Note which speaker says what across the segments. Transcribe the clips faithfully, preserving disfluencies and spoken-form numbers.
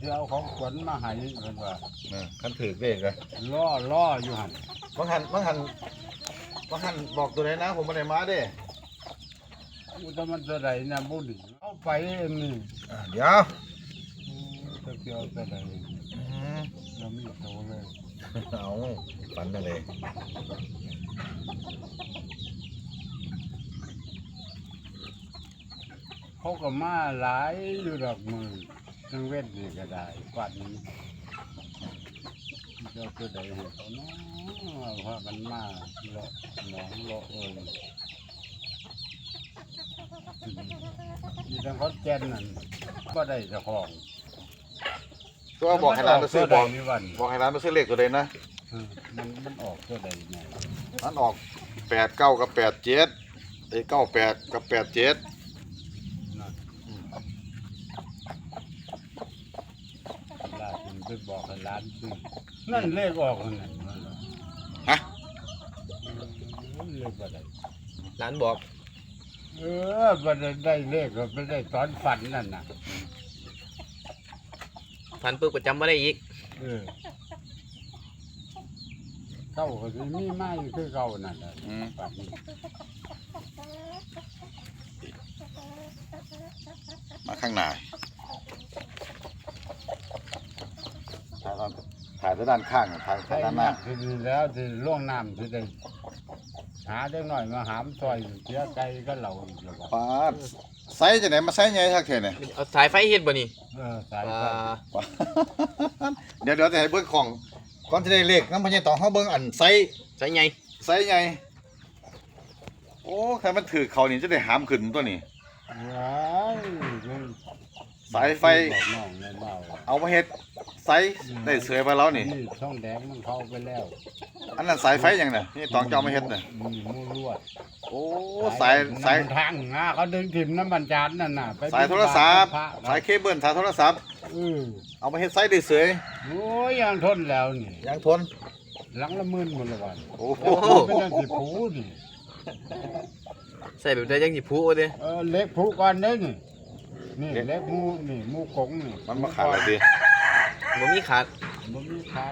Speaker 1: ที่เอาของขวัญมาให้เพิ่นว่า
Speaker 2: คันถือเลขเลย
Speaker 1: ล่อล่ออยู่หั่น
Speaker 2: บางหันบางหันบางหันบอกตัวไหนนะผมไม่ได้มาเด้
Speaker 1: อุตมันจะได้นะบุญเอาไปเองนี่
Speaker 2: เดี๋ยว
Speaker 1: จะเกี่ยวจะได้เรามีโตเลย
Speaker 2: เอาฝันอะไร
Speaker 1: เขาก็มาหลายอยู่ดอกมือทั้งเวทนี่ก็ได้กว่านี้เจ้าจะได้เห็นเขาเนาะพากันมาเลาะหนองเลาะเอ้ยอยู่ทางขอนแก่นนั่นก็ได้เจ้าของ
Speaker 2: ตัวบอกให้ร้านไปซื้อบอก
Speaker 1: นี่วัน
Speaker 2: บอกให้ร้านไปซื้อเลขตัวไหนนะ
Speaker 1: มันมันออกตัวใดไง
Speaker 2: มันออกแปดเก้ากับแปดเจ็ดไอ้เก้าแปดกับแปดเจ็ด
Speaker 1: นะลาถึงไปบอกให้ร้านซื้อนั่นเลขออกนั่นน่ะ
Speaker 2: ฮะ
Speaker 1: เลขบ่ได้
Speaker 3: ร้านบอก
Speaker 1: เออบ่ได้ได้เลขก็ไม่ได้ตอนฝันนั่นน่ะ
Speaker 3: ฟันปุ๊บก็จำไม่ได้อีก
Speaker 1: เออเก้าก็สิมีไม้คือเก่านั่นแหละ
Speaker 2: อืม
Speaker 1: ฝันนี่
Speaker 2: มาข้างหน้าถ่ายตอนถ่ายไปด้านข้างถ่ายไป
Speaker 1: ใช่
Speaker 2: ด้านห
Speaker 1: มา
Speaker 2: น้า
Speaker 1: ทีนี้แล้วที่ล่วงน้ำที่ได้หาได้หน่อยมาหามซอยเสียใจก็เราอีกแล้วบอก
Speaker 2: ปาดไซส์จะไหนมาไซส์ไงทักเทเนี่ย
Speaker 3: เอาสายไฟเฮ็ดบ่นี่
Speaker 1: เออสาย
Speaker 3: อ่
Speaker 1: ไฟ
Speaker 3: า
Speaker 2: เดี๋ยวเดี๋ยวจะให้เบิ้งของก่อนจะได้เลขน้ำพญาต่อเขาเบิ้งอันไซส์
Speaker 3: สายใหญ่
Speaker 2: ไซส์ไงโอ้ใครมันถือเขานี่จะได้หามขึ้นตัวนี้
Speaker 1: ว้ายเลย
Speaker 2: สายไฟ
Speaker 1: บอกน้องในเบา
Speaker 2: เอามาเฮ็ดไซส์ได้เสยไปแล้วนี่
Speaker 1: นี่ช่องแดงมันเข้าไปแล้ว
Speaker 2: อันนั้นสายไฟยังน่ะนี่ตองเจ้ามาเฮ็ดน่ะ
Speaker 1: มีมูลวด
Speaker 2: โอ้สายสาย
Speaker 1: น้ำทางนะเขาดึงถิ่มน้ำบัญจานนั่นน่ะไป
Speaker 2: สายโทรศัพท์
Speaker 1: พระ
Speaker 2: สายเคเบิลสายโทรศัพท์
Speaker 1: เออ
Speaker 2: เอามาเฮ็ดไซส์ได้เสย
Speaker 1: โอ้ยยังทนแล้วนี่
Speaker 2: ยังทน
Speaker 1: หลังละหมื่นหมดละวัน
Speaker 2: โอ้โห
Speaker 1: เป็นอันสิผูนี่
Speaker 3: ใส่แบบได้ยังสิผูเด้
Speaker 1: เออเล็กผูก่อนเด้นี่นี่เล็กหมูนี่หมูกงนี่
Speaker 2: มันมาขาดอะไรดี
Speaker 3: บ่มีขาด
Speaker 1: มันมีขาด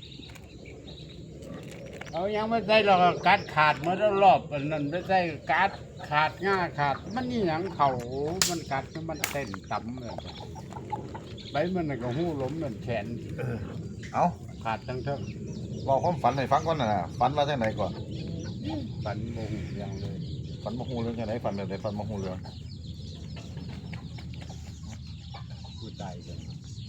Speaker 1: เอายังไม่ใช่หรอกกัดขาดมาแล้วรอบอันนั้นไม่ใช่กัดขาดง่าขาดมันนี่หยังเขามันกัดมันเต้นต่ำเลยไปมันน่ะก็หู้ล้มเหมือนแขน
Speaker 2: เอา
Speaker 1: ขาดทั้งเท่า
Speaker 2: บอกความฝันให้ฟังก่อนน่ะฝันว่าจังไหนก่อน
Speaker 1: ฝันโมงอย่างเลย
Speaker 2: ฝันมาฮูเรื่องจังไหนฝันแบบไหนฝันมาฮูเรื่อง
Speaker 1: ผู้ตายกัน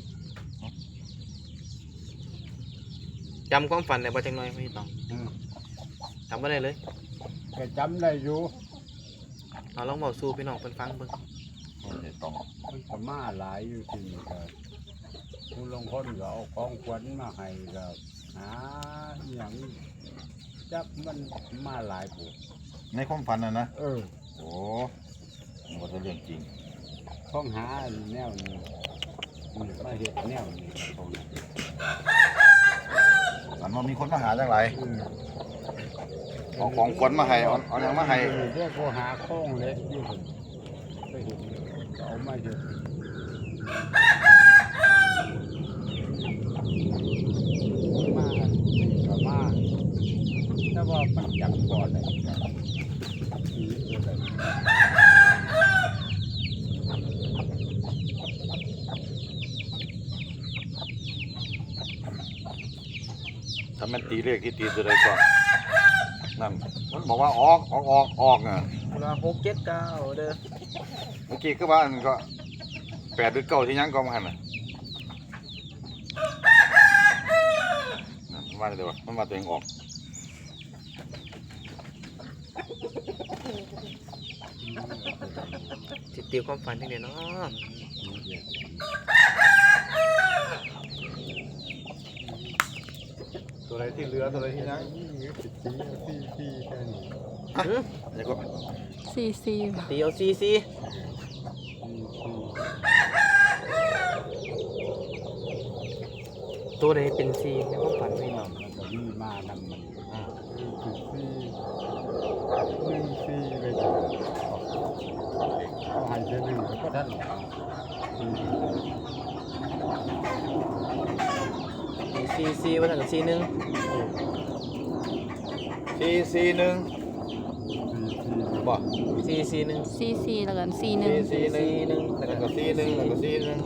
Speaker 3: จำความฝันได้บ่จังน้อยพี่ต้อง
Speaker 1: อืม
Speaker 3: จำบ่ได้เลย
Speaker 1: ก็จำได้อยู่
Speaker 3: เอาลองบอกสู่พี่น้องเพิ่นฟังเบิ่ง
Speaker 2: โอ้ยต้อง
Speaker 1: มันก็มาหลายอยู่ที่นี่ก็ผู้ลงคนก็เอาของขวัญมาให้ก็หาอหย่างจักมันมาหลายผู้
Speaker 2: ในความฝันน่ะนะ
Speaker 1: เออ
Speaker 2: โอ้มันก็จะเรื่องจริง
Speaker 1: ต้องหาอันแนวนี้นี่มาเห็ดแนวนี้ตรงนี้
Speaker 2: ฝันว่ามีคนมาหาจังไร
Speaker 1: อืม
Speaker 2: เอาของขวัญมาให้เอาเอาหยังมาให้
Speaker 1: เออเรียกว่าหาโค้งเล็กอยู่คนไปเห็นก็เอามาเห็ดมาก็มาแต่ว่ามันจับก่อนเลยผีตัวใด
Speaker 2: ถ้ามันตีเลขที่ตีตัวใดก่อนนั่นมันบอกว่าออกออกออกออกอ่ะ
Speaker 3: เวลาหก เจ็ด เก้าเด้อ
Speaker 2: เมื่อกี้ก็ว่าอันก็แปดหรือเก้าที่ยังก็มาหันน่ะนั่นมันว่าเดี๋ยวมันว่าตัวเองออก
Speaker 3: สิตีความฝันจังได๋เนาะ
Speaker 2: ตัวใดที่เหลือตัวใดที่ยัง
Speaker 1: สิบสี่สี่สี่แค่นี้
Speaker 3: หือ
Speaker 2: เดี๋ยวก็
Speaker 4: สี่สี่
Speaker 3: ตีเอาสี่สี่
Speaker 1: สี่สี่
Speaker 3: ตัวใดเป็นสี่ในความฝันพี่น้อง
Speaker 1: มันก็มีมานำมันสี่สิบสี่หนึ่งสี่เลยจ้ะเขาใหายเจหนึ่งก็ท่านสี่สิบ
Speaker 3: สี่สี่ว่าทางกับสี่หนึ่ง
Speaker 2: สี่สี่หนึ่งบ่
Speaker 3: สี่สี่หนึ่ง
Speaker 4: ซีซีแล้วกันซีหนึ่ง
Speaker 2: สี่สี่หนึ่ง
Speaker 3: หนึ่ง
Speaker 2: แล้วก็สี่หนึ่งแล้วก็สี่หนึ่ง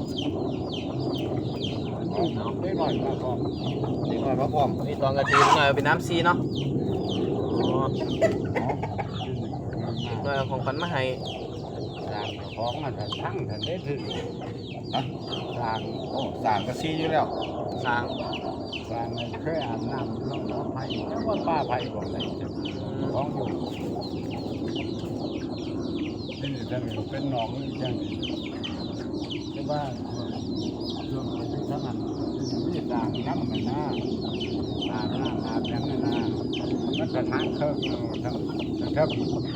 Speaker 1: ได้หน่อยมาก่อน
Speaker 2: เด็กน้อยมาพร้อม
Speaker 3: นี่ตอนกระตีหน่อยเป็นน้ำซีเนาะอ๋อหน่อยเอาของขวัญมาให้
Speaker 1: สร้างของมันจะทั้งทันได้ถึง
Speaker 2: ฮะ
Speaker 1: สร้าง
Speaker 2: โอ้สามกับสี่อยู่แล้ว
Speaker 3: สร้าง
Speaker 1: สร้างในเคยอาบน้ำน้องน้องไผ่แต่ว่าป้าไผ่บอกเลยจะของอยู่นี่จะเป็นหนองนี่จังแต่ว่าช่วงที่ทั้งนั้นมีสร้างน้ำมันนะอาบน้ำอาบน้ำนะมันจะทั้งเครื่องทั้งทั้ง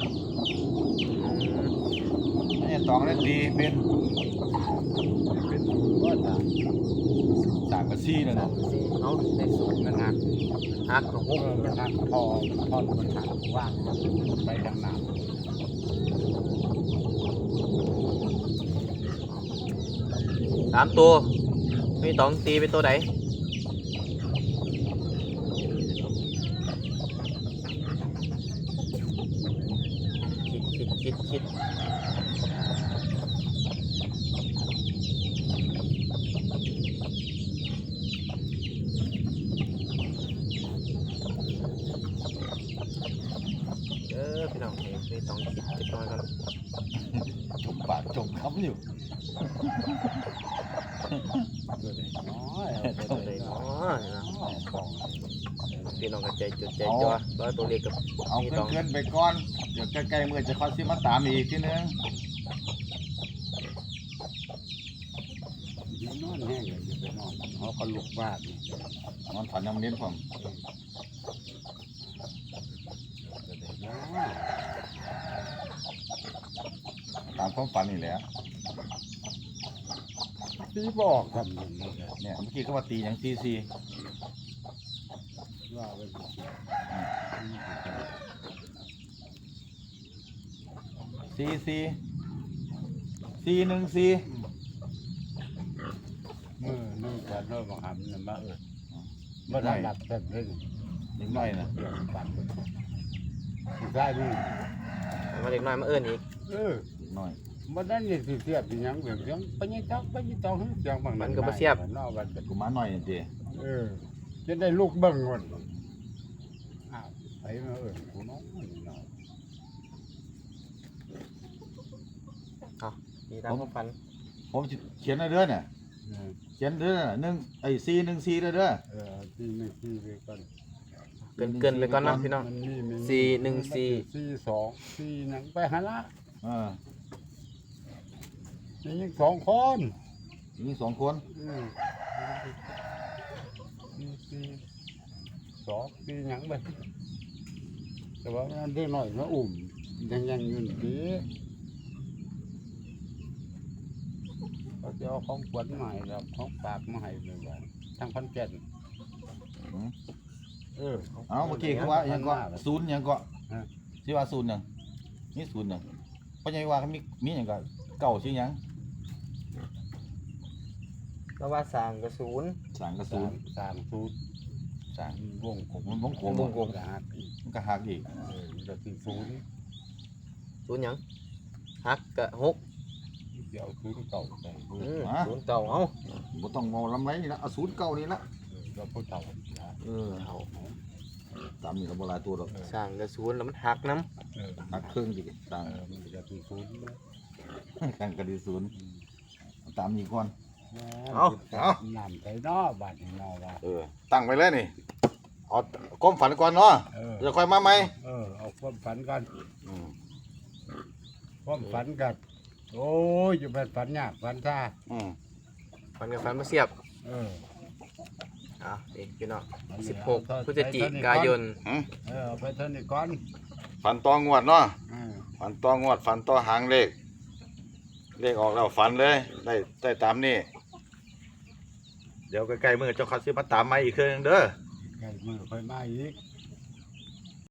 Speaker 2: นี่ตองเล่นดีเป็น
Speaker 1: เป็นก็จะ
Speaker 2: สามกับสี่นั่นน่ะ
Speaker 3: สี่เอาในสูง
Speaker 1: มันหัก
Speaker 3: หักของ
Speaker 1: เออมันหักพอพอมันหักว่างไปทางน้ำ
Speaker 3: สามตัวมีตองตีเป็นตัวไหนคิดคิดคิดคิดเออพี่น้องเองมีตองคิดจักหน่อยกัน
Speaker 2: จมปากจมคำอยู่
Speaker 1: ตัวเล็กน้อย
Speaker 3: ตัวไหนเนาะนี่นะ
Speaker 1: ของ
Speaker 3: พี่น้องก็ใจจดใจจ่อร้อยตัวเล็กกับ
Speaker 2: เอา
Speaker 3: มี
Speaker 2: เกิ
Speaker 3: ตอน ง
Speaker 2: เกินๆไปก่อนเดี๋ยวใกล้ๆมือจะคอยซิมาตามอีกทีนึง
Speaker 1: ยืนนอนแห้งเลยจะไปนอนเขาก็ลุกบ้าน
Speaker 2: นอนฝันยังเน้นผม
Speaker 1: ตัวเล็กน้อย
Speaker 2: ตามความฝันนี่แหละ
Speaker 1: พี่บอกทำอย่างนี้เลย
Speaker 2: เนี่ยเมื่อกี้เขาว่าตีอย่างสี่สี่
Speaker 1: ว่าไปสิ
Speaker 2: สี่สี่สี่หนึ่งสี่
Speaker 1: มือนึงกันเริ่มมาหำเนี่ยมาเออมาได้หลับเต็มเลย
Speaker 2: นิดหน่อยนะ
Speaker 1: เดี๋ยวปั่นได้มือ
Speaker 3: มาเด็กน้อยมาเอื้อนอีก
Speaker 1: เออ
Speaker 2: นิดหน่อย
Speaker 1: มันนั่นนี่สิเสียบสิหยังเบี่ยงเสียงไปยังจักไปยังต้องเสียงบางนอกบัด
Speaker 2: กูมาหน่อยนี่เจ
Speaker 1: เออจะได้ลูกเบิ่งก่อนอ้าวไปมาเออกูน้องนี่เนาะ
Speaker 3: มีตามความฝัน
Speaker 2: ผมสิเขียนให้เด้อเนี่ย
Speaker 1: เออ
Speaker 2: เขียนเด้อหนึ่งไอ้สี่หนึ่งสี่เด้อเด้อ
Speaker 1: เออที่หนึ่งที่ไปก่อน
Speaker 3: เกินเกินไปก่อนนะพี่น้อง
Speaker 1: มันมีมันมี
Speaker 3: สี่หนึ่งสี่
Speaker 1: สี่สองสี่หนังไปหาละ
Speaker 2: เออ
Speaker 1: นี่ยังสองคน
Speaker 2: มีสองคน
Speaker 1: อืมสี่สี่สองสี่หนังไปแต่ว่ามันได้หน่อยมาอุ่มยังยังเงินดีเขาจะเอาของขวัญมาให้เราของฝากมาให้เลยว่าทางพันแก่น
Speaker 2: อืม
Speaker 1: เออ
Speaker 2: เอาเมื่อกี้เขาว่ายังก็ศูนย์ยังก็
Speaker 1: ฮะ
Speaker 2: ที่ว่าศูนย์ยังมีศูนย์ยังเพราะยังว่าเขามีมีอย่างก็เก่าชื่อยัง
Speaker 3: แล้วว่าสร้างกระศูนย์
Speaker 2: สางกระ
Speaker 1: สา
Speaker 2: ศู
Speaker 1: ม
Speaker 2: นย์
Speaker 1: สามสูตร
Speaker 2: สาง
Speaker 1: วงกลม
Speaker 2: มันวงกลม
Speaker 1: วงกลมกหักอีก
Speaker 2: มันก็หักอีก
Speaker 1: เออจะสี่ศูนย์
Speaker 3: ศูนย์หยังหักกะหก
Speaker 1: เดี๋ยวศูนย์เก่าใส่เอ
Speaker 3: อื
Speaker 1: อ
Speaker 3: มศูนย์เก่าเอา
Speaker 2: บ่ต้องมองลำไรนี่ละเอาศูนย์เก่านี่ละ
Speaker 1: เราพูดเก่านะ
Speaker 2: เออเอาตามนี่ก็บ่หลายตัวหรอก
Speaker 3: สร้างกระศูนย์แล้วมันหักน้
Speaker 1: เออ
Speaker 2: หักเครื่องดิต่าง
Speaker 1: เออมันจะสี่ศูนย์นะ
Speaker 2: กันก็ดีศูนย์เอาตามนี้ก่อน
Speaker 1: เอาเอาน้ำใส่นอบาดนี่นอว่า
Speaker 2: เออตั้งไปเลยนี่เอาก้มฝันก่อนเนาะ
Speaker 1: เออ
Speaker 2: เดี๋ยวค่อยมาไหม
Speaker 1: เออเอาความฝันกัน
Speaker 2: อืม
Speaker 1: ความฝันกันโอ้ยอยู่เป็นฝันยากฝันซ่า
Speaker 2: อืม
Speaker 3: ำฟันกับฟันมาเสียบ
Speaker 1: เออ
Speaker 3: อ่ะนี่พี่น้อง
Speaker 1: อันนี้
Speaker 3: สิบหก
Speaker 1: เอา
Speaker 3: พฤศจิกายน
Speaker 2: หืม
Speaker 1: เออเอาไปเท่านี้ก่อน
Speaker 2: ฝันต่องวดเนาะ
Speaker 1: เออ
Speaker 2: ฝันต่องวดฝันต่อหางเลข เลขออกแล้วฝันเลยได้ได้ตามนี่เดี๋ยวใกล้ๆมือเจ้าคัดซื้อมาตามมาอีกเครื่องหนึ่งเด้อ
Speaker 1: ไก่มือค่อยมาอีก